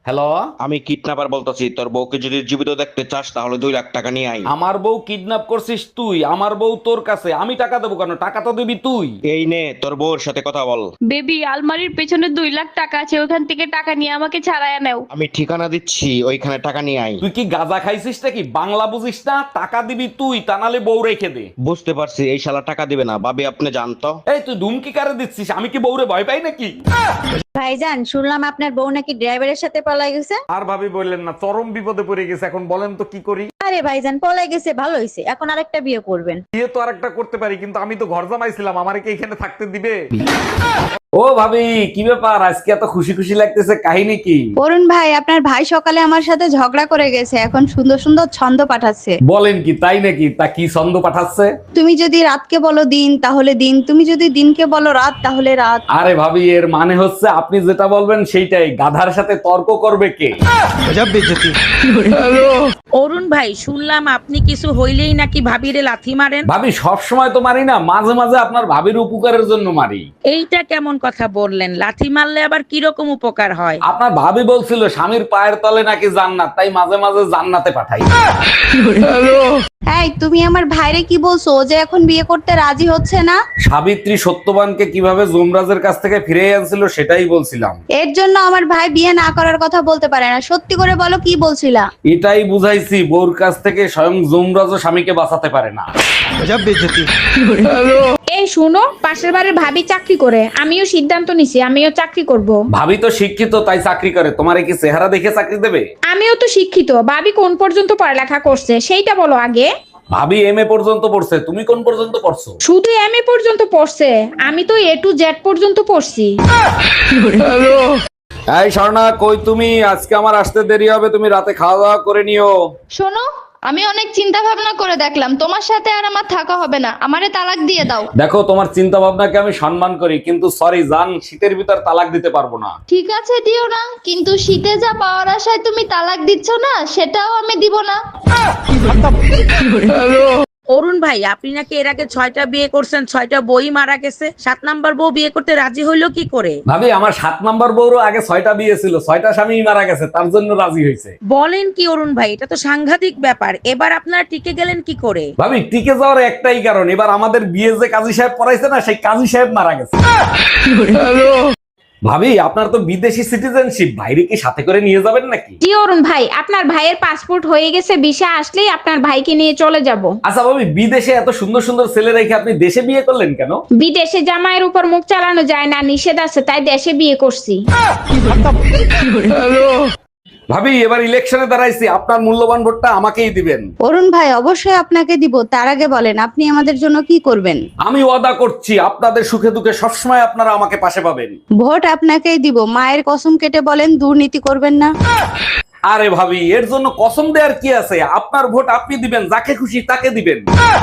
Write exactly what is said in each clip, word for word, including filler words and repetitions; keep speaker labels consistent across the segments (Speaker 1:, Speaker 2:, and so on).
Speaker 1: Hello.
Speaker 2: আমি kidnapper বলতেছি, তোর বউকে যদি জীবিত দেখতে চাস তাহলে দুই লাখ টাকা নিয়ে আই।
Speaker 1: আমার বউ কিডন্যাপ করছিস তুই, আমার বউ তোর কাছে, আমি টাকা দেবো কেন? টাকা তো দিবি তুই।
Speaker 2: এই নে তোর বউর সাথে কথা বল।
Speaker 3: বেবি, আলমারির পেছনে দুই লাখ টাকা আছে, ওখান থেকে টাকা নিয়ে আমাকে ছাড়াইয়া নাও।
Speaker 2: আমি ঠিকানা দিচ্ছি, ওইখানে টাকা নিয়ে আই।
Speaker 1: তুই কি গাঁজা খাইছিস নাকি? বাংলা বুঝিস না? টাকা দিবি তুই, তা নাহলে বউ রেখে দে।
Speaker 2: বুঝতে পারছি, এই শালা টাকা দিবে না। ভাবি আপনি জানতো।
Speaker 1: এই তুই ধুমকি কারে দিচ্ছিস? আমি কি বউরে ভয় পাই নাকি?
Speaker 4: ভাইজান, শুনলাম আপনার বউ নাকি ড্রাইভারের সাথে পলাই গেছে।
Speaker 1: আর ভাবি বললেন না, চরম বিপদে পড়ে গেছে। এখন বলেন তো কি করি?
Speaker 4: আরে ভাইজান, পলাই গেছে ভালো হয়েছে, এখন আরেকটা বিয়ে করবেন।
Speaker 1: বিয়ে তো আরেকটা করতে পারি, কিন্তু আমি তো ঘর জামাইছিলাম, আমারে কি এখানে থাকতে দিবে? ও ভাবি, কি ব্যাপার আজকে এত খুশি খুশি লাগতেছে? কাহিনী কি?
Speaker 4: অরুণ ভাই, আপনার ভাই সকালে আমার সাথে ঝগড়া করে গেছে, এখন সুন্দর সুন্দর ছন্দ পাঠাচ্ছে।
Speaker 1: বলেন কি, তাই নাকি? তা কি ছন্দ পাঠাচ্ছে?
Speaker 4: তুমি যদি রাতকে বলো দিন তাহলে দিন, তুমি যদি দিনকে বলো রাত তাহলে রাত।
Speaker 1: আরে ভাবি, এর মানে হচ্ছে আপনি যেটা বলবেন সেইটাই। গাধার সাথে তর্ক করবে কে?
Speaker 5: অরুণ ভাই, শুনলাম আপনি কিছু হইলেই নাকি ভাবিরে লাথি মারেন।
Speaker 1: ভাবি সব সময় তো মারি না, মাঝে মাঝে আপনার ভাবির উপকারের জন্য মারি।
Speaker 5: এইটা কেমন কথা বললেন? লাথি মারলে আবার কিরকম উপকার হয়?
Speaker 1: আপনার ভাবি বলছিল স্বামীর পায়ের তলে নাকি জান্নাত, তাই মাঝে মাঝে জান্নাতে পাঠাই।
Speaker 4: এই, তুমি আমার ভাইরে কি বলছো? ও যে এখন বিয়ে করতে রাজি হচ্ছে না।
Speaker 1: সাবিত্রী সত্যবানকে কিভাবে যমরাজের কাছ থেকে ফিরে আনছিল সেটাই বলছিলাম।
Speaker 4: এর জন্য আমার ভাই বিয়ে না করার কথা বলতে পারে না। সত্যি করে বলো, কি বলছিলা?
Speaker 1: এটাই বুঝাইছি, বউর কাছ থেকে স্বয়ং যমরাজও স্বামীকে বাঁচাতে পারে না।
Speaker 3: এই শুনো, পাশের বাড়ির ভাবি চাকরি করে, আমিও সিদ্ধান্ত নিছি আমিও চাকরি করব।
Speaker 1: ভাবি তো শিক্ষিত, তাই চাকরি করে। তোমারে কি চেহারা দেখে চাকরি দেবে?
Speaker 3: আমিও তো শিক্ষিত, ভাবি কোন পর্যন্ত পড়ালেখা করছে সেইটা বলো আগে।
Speaker 1: ভাবি এম এ পর্যন্ত পড়ছে, তুমি কোন পর্যন্ত পড়ছো?
Speaker 3: শুধু এম এ পর্যন্ত পড়ছে, আমি তো এ টু জেড পর্যন্ত পড়ছি।
Speaker 1: এই স্বর্ণা, কই তুমি? আজকে আমার আসতে দেরি হবে, তুমি রাতে খাওয়া দাওয়া করে নিও।
Speaker 6: শোনো, আমি অনেক চিন্তা ভাবনা করে দেখলাম, তোমার সাথে আর আমার থাকা হবে না, আমারে তালাক দিয়ে দাও।
Speaker 1: দেখো, তোমার চিন্তা ভাবনাকে আমি সম্মান করি, কিন্তু সরি জান, শীতের ভিতর তালাক দিতে পারবো না।
Speaker 6: ঠিক আছে, দিও না, কিন্তু শীতে যা পাওয়ার আশায় তুমি তালাক দিচ্ছ না, সেটাও আমি দিব না।
Speaker 5: অরুণ ভাই, আপনি নাকি এর আগে ছয়টা বিয়ে করছেন, ছয়টা বই মারা গেছে, সাত নাম্বার বউ বিয়ে করতে রাজি হইলো কি করে?
Speaker 1: ভাবি আমার সাত নাম্বার বউরও আগে ছয়টা বিয়ে ছিল, ছয়টা স্বামী মারা গেছে, তার জন্য রাজি হয়েছে।
Speaker 5: বলেন কি অরুণ ভাই, এটা তো সাংঘাতিক ব্যাপার। এবার আপনারা টিকে গেলেন কি করে?
Speaker 1: ভাবি টিকে যাওয়ার একটাই কারণ, এবার আমাদের বিয়ে যে কাজী সাহেব পড়াইছে না, সেই কাজী সাহেব মারা গেছে। ভাবি আপনার তো বিদেশি সিটিজেনশিপ, ভাইরে কি সাথে করে নিয়ে যাবেন নাকি?
Speaker 3: জি অরুণ ভাই, আপনার ভাইয়ের পাসপোর্ট হয়ে গেছে, ভিসা আসলেই আপনার ভাইকে নিয়ে চলে যাব।
Speaker 1: আচ্ছা ভাবি, বিদেশে এত সুন্দর সুন্দর ছেলে রেখে আপনি দেশে বিয়ে করলেন কেন?
Speaker 3: বিদেশে জামাইয়ের উপর মুখ চালানো যায় না, নিষেধ আছে, তাই দেশে বিয়ে করছি।
Speaker 1: ভাবি এবার ইলেকশনে দাঁড়াইছি, আপনার মূল্যবান ভোটটা আমাকেই দিবেন।
Speaker 4: অরুণ ভাই, অবশ্যই আপনাকে দিব। তার আগে বলেন, আপনি আমাদের জন্য কি করবেন?
Speaker 1: আমি ওয়াদা করছি, আপনাদের সুখে দুঃখে সবসময় আপনারা আমাকে পাশে পাবেন।
Speaker 4: ভোট আপনাকেই দিব। মায়ের কসম কেটে বলেন, দুর্নীতি করবেন না।
Speaker 1: আরে ভাবি, এর জন্য কসম দেওয়ার কি আছে? আপনার ভোট আপনি দিবেন, যাকে খুশি তাকে দিবেন।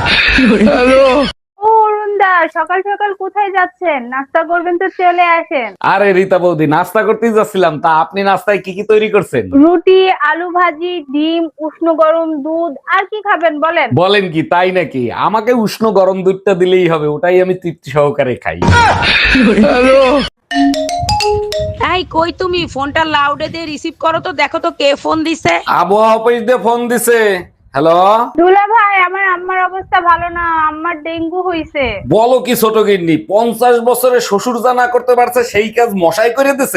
Speaker 7: ও অরুণদা, সকাল সকাল কোথায় যাচ্ছেন? নাস্তা করবেন তো চলে আসেন।
Speaker 1: আরে রীতা বৌদি, নাস্তা করতেই যাচ্ছিলাম। তা আপনি নাস্তায় কি কি তৈরি করছেন?
Speaker 7: রুটি, আলু ভাজি, ডিম, উষ্ণ গরম দুধ, আর কি খাবেন বলেন?
Speaker 1: বলেন কি, তাই নাকি? আমাকে উষ্ণ গরম দুধটা দিলেই হবে, ওটাই আমি তৃপ্তি সহকারে খাই।
Speaker 5: এই কই তুমি? ফোনটা লাউডে দিয়ে রিসিভ করো তো, দেখো তো কে ফোন দিছে।
Speaker 1: আবহাওয়া অফিস দিয়ে ফোন দিছে। হ্যালো।
Speaker 7: দুলা ভাই, আমার আম্মার অবস্থা ভালো না, আম্মার ডেঙ্গু হইছে।
Speaker 1: বলো কি ছোট গিন্নি, পঞ্চাশ বছরে শ্বশুর যা না করতে পারছে সেই কাজ মশাই করে দিছে।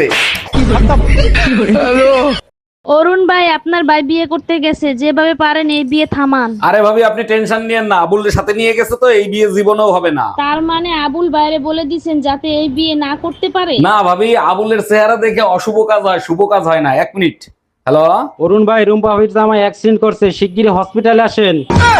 Speaker 8: অরুণ ভাই, আপনার ভাই বিয়ে করতে গেছে, যেভাবে পারেন এই বিয়ে থামান।
Speaker 1: আরে ভাবি আপনি টেনশন নিয়েন না, আবুলের সাথে নিয়ে গেছে তো, এই বিয়ে জীবনেও হবে না।
Speaker 8: তার মানে আবুল বাইরে বলে দিছেন যাতে এই বিয়ে না করতে পারে?
Speaker 1: না ভাবি, আবুলের চেহারা দেখে অশুভ কাজ হয়, শুভ কাজ হয় না। এক মিনিট। হ্যালো।
Speaker 9: অরুণ ভাই, রুম্পা ভাবির জামাই অ্যাক্সিডেন্ট করছে, শিগগিরই হসপিটালে আসেন।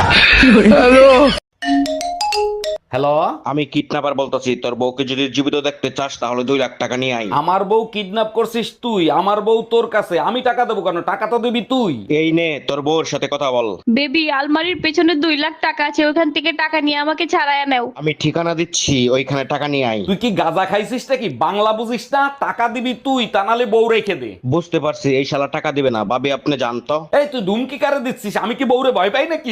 Speaker 1: হ্যালো।
Speaker 2: আমি কিডন্যাপার বলতেছি, তোর বউকে যদি জীবিত দেখতে চাস তাহলে দুই লাখ টাকা নিয়ে আই।
Speaker 1: আমার বউ কিডন্যাপ করছিস তুই, আমার বউ তোর কাছে, আমি টাকা দেবো কেন? টাকা তো দিবি তুই।
Speaker 2: এই নে তোর বউর সাথে কথা বল।
Speaker 3: বেবি, আলমারির পেছনে দুই লাখ টাকা আছে, ওখান থেকে টাকা নিয়ে আমাকে ছাড়াইয়া নাও।
Speaker 2: আমি ঠিকানা দিচ্ছি, ওইখানে টাকা নিয়ে আই।
Speaker 1: তুই কি গাঁজা খাইছিস নাকি? বাংলা বুঝিস না? টাকা দিবি তুই, তা নাহলে বউ রেখে দে।
Speaker 2: বুঝতে পারছি, এই শালা টাকা দিবে না। ভাবি আপনি জানতো।
Speaker 1: এই তুই ধুমকি কারে দিচ্ছিস? আমি কি বউরে ভয় পাই নাকি?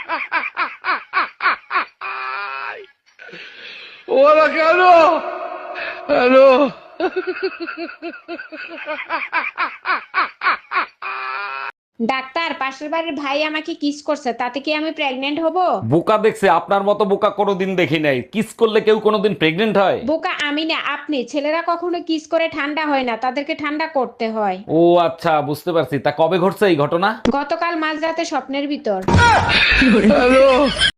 Speaker 1: হ্যালো। ওরা কেন
Speaker 3: ডাক্তার, পাশের বাড়ির ভাই আমাকে কিস করছে, তাতে কি আমি প্রেগনেন্ট হব?
Speaker 1: বোকা দেখছে, আপনার মতো বোকা কোনোদিন দেখি নাই। কিস করলে কেউ কোনোদিন প্রেগনেন্ট হয়?
Speaker 3: বোকা আমি না, আপনি। ছেলেরা কখনো কিস করে ঠান্ডা হয় না, তাদেরকে ঠান্ডা করতে হয়।
Speaker 1: ও আচ্ছা, বুঝতে পারছি। তা কবে ঘটছে এই ঘটনা?
Speaker 3: গতকাল মাঝরাতে স্বপ্নের ভিতর।